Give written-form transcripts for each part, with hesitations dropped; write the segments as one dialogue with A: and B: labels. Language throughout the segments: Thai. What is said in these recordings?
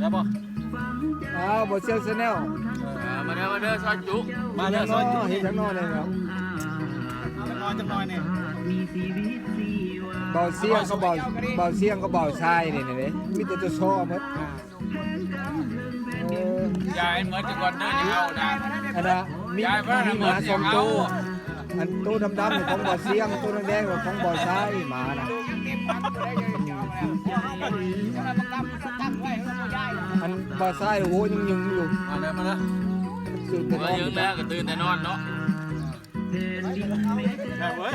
A: ได้บ่
B: บ่เชียงชาแนล
A: มาเด้อซอยจุ
B: มาเด้อซอยจุเฮ็ดจังน้อยเลยครับ
A: จังน้อยนี่
B: เบาเสียงก็เบาเสียงก็เบาชายนี่เด้มีแต่ตัวโชว์หมด
A: ยายเหมือนจะก่อนเด้อจะเอานะ
B: อันน่ะมีหมา2ตัวอันตัวดำๆของเบาเสียงตัวแดงๆของเบาชายหมาน่ะอันเบาชายโอ้โหยังอยู่
A: มาเด้อตื่นแล้วก็ตื่นแต่นอนเนาะเว้ย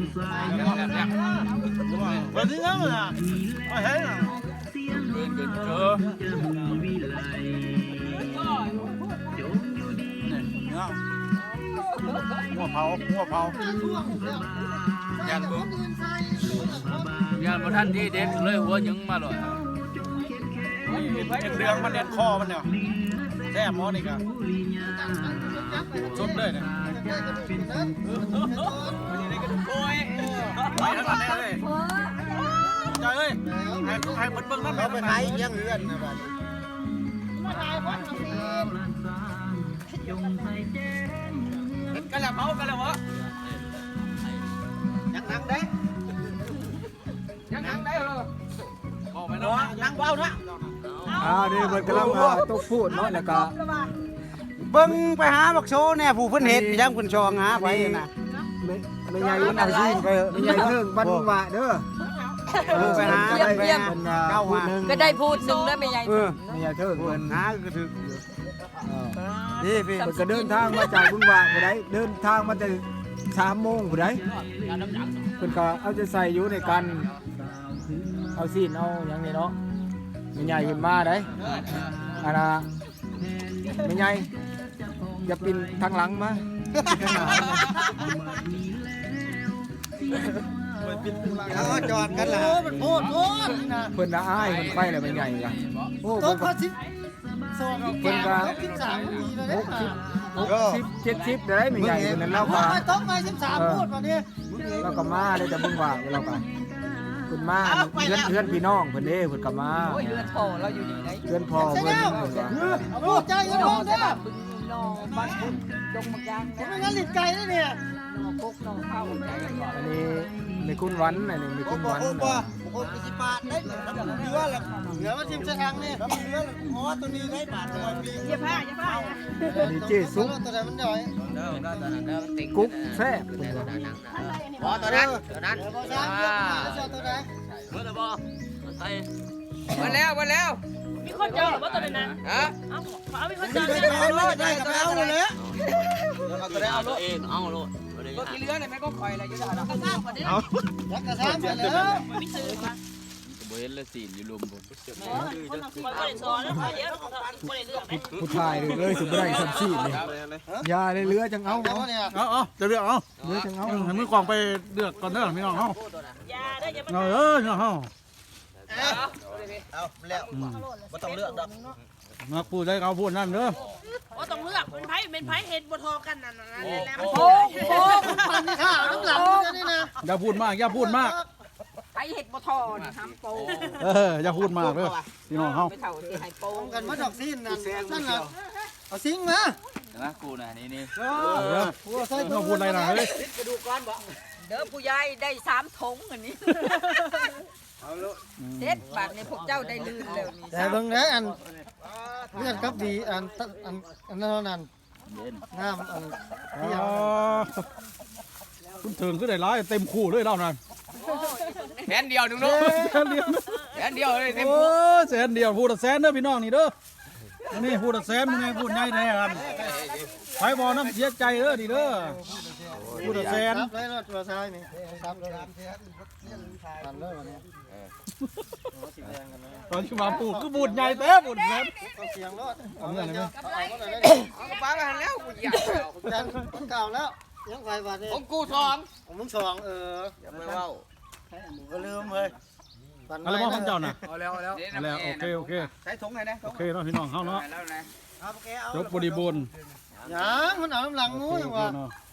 A: วันนี้งั้นน่ะเอาเฮ้ยตื่นเจอหัวเผาย่านบ่ทันที่เด็ดเลยหัวยึงมาเลยเรื่องมันเด็ดคอมันเนี่ยแซ่บหมอนี่ก็ชมเลยเนี่ยโอ้ยไปทั้งนั้นเลยใจเอ้ยให้เบิ่งนั่นไปขายยังเรือนนะบัดมาขายคนสิกันแล้วเมากันแล้ววะยังนั่งได้เหรอบอกไปเนาะนั่งเบาเนาะ
B: นี่มันกำลังต้องพูดเนาะแล้วก็
C: เบิ่งไปหาบักโชแน่ผู้เพิ่นเฮ็ดยังเพิ่นชองหาไปน่ะ
B: ไม่ใหญ่เอาสิไม่ใหญ่เทิงบ้านว่าเด้อ
C: ไปหาได้ไป
B: เก้าว่า
D: ก็ได้พูดนึงแล้วไม่ใหญ่
B: ไม่ใหญ่เทิงเพิ่น
C: หาก็ถึกนี่พี่
B: ก็เดินทางมาจากบุญว่าบ่ได้เดินทางมาแต่3 โมงบ่ได้เพิ่นก็เอาจะใส่อยู่ในกันเอาซีนเอาอย่างนี้เนาะไม่ใหญ่ขึ้นมาได้อันน่ะไม่ใหญ่อย่าปีนทางหลังมา
C: จอดกันล่ะ
B: โพดเพิ่นน่ะอ้ายเพิ่นไปแล้วไม่ใหญ่ล่ะโอ้เพิ่นก็เพิ่นก็60 70ได้ไม่ใหญ่เพิ่นนั้นเราก็
C: ต้องมา13พูดว่านี้
B: เราก็มาได้แต่เบิ่งว่าเราก็เพิ่นมาเพื่อนพี่น้องเพิ่นเด้เพิ่นก็มา
D: โอ้ยเรือนพ่อเราอยู่นี่ไหน
B: เพื่อนพ่อเพิ่นว่า
C: โอ้ใจกันน้องเด้อ
D: น้องบ้านคุณดงมักยาง
C: ผมงั้นลิ้นไก่เนี่ย
D: น้องกุ๊กน้องข้าว
B: อันนี้ในคุณวันอันนี้ในคุณวัน
C: โอ้สิบบาทได้เนื้อละเนื้อมาชิมซะทางนี่เนื้ออ๋อตัวนี้ได้บาทตัวปี
D: อย่าพลาด
B: อันนี้เจ๊ซุป
C: ตัวไหนมันย่อย
B: กุ๊กแซ่บ
A: บ่ตัวนั้น
C: ตัวไหน
A: เมื่อไรบ่ใส่
D: มาแล้วมีคนเจอหรือว่าตัวนั้นฮะเอามีคนเจอ
C: ได้กับเอาเลย
A: เอาตัวได้เอาเองเอาโลด
D: ก็กี่เรือเนี่ยแม่ก็คอยอะไรอยู่ได้กระซ่าก่อนดิ
C: ยักษ์กระซ่าไปแล้ว
D: ไม่ซื้อมา
A: บ่เห็นละสีนอยู่ลุมบ่
B: ผู้ชายเลยสุดได้สัมชีนี่ยาเลยเรือจังเอา
A: จะเลือกเอา
B: เรือจังเอา
A: ให้มือกองไปเลือกก่อนเด้อพี่น้องเฮายาได้อย่าเนาะเฮา
C: เอาแล้วบ่ต้องเลือกดอก
A: มาพูดได้เขาพูดนั่นเด้อ
D: ว่าต้องเลือกเป็นไผ่เห็ดบ่ทอกันนั่นแล้ว
C: โอ้มันนี่ค่ะน้ำหลังนี่นะ
A: อย่าพูดมาก
D: ไผ่เห็ดบ่ทอนี่ทำโป
A: อย่าพูดมากเด้อพี่น้องเฮา
D: ไปเฒ่าสิให้โป
C: กันมาดอกซีนนั่นน่ะเอาซิงมา
A: นะกูน่ะนี่
C: ใส่
A: มาพูดอะไรน่ะเฮ้ย
C: กระดูกก้อนบ่
D: เด้อผู้ใหญ่ได้3 ถุงอันนี้เด็ดบาทเนี่ยพวกเจ้าได้ลื่นแล้วนี่
C: แต่เบิ่งนะอันเลือดกับดีอันนั้นน้ำอัน
A: คุณถึงก็ได้ร้ายเต็มคู่เลยเล่านั่น
D: แสนเดียวนึงเนาะแสนเดียวเลยเต็มคู่
A: แสนเดียวพูดแสนเด้อพี่น้องนี่เด้อนี่พูดแสนมึงไงพูดใหญ่แท้กันไปบ่น้ำเสียใจเด้อดิเด้อพูดแสน
C: ได้รถตัวซ้ายนี่3เลยทันเลยวันนี้
A: ตอนที่มาปลูกก็บูดใหญ่เต้บูดแสน
C: เสียงรถ
A: เอาเงินเลยมั้ย
D: เอาป้าไปแล้วกูอยาก
C: เก่าแล้วยังไฟบาทนี่
D: ของกู2
C: ของมึง2
D: อย่าไปเว้า
C: ก็ลืมเฮ้ย
A: อะไรบ้างเจ้าน่ะ
D: เอาแล้ว
A: โอเค
D: ใส่ถุงไหนนะ
A: โอเคเนาะพี่น้องเฮาเนาะจบบริบูรณ์
C: ยังมันเอาน้ำหลังงูจังวะ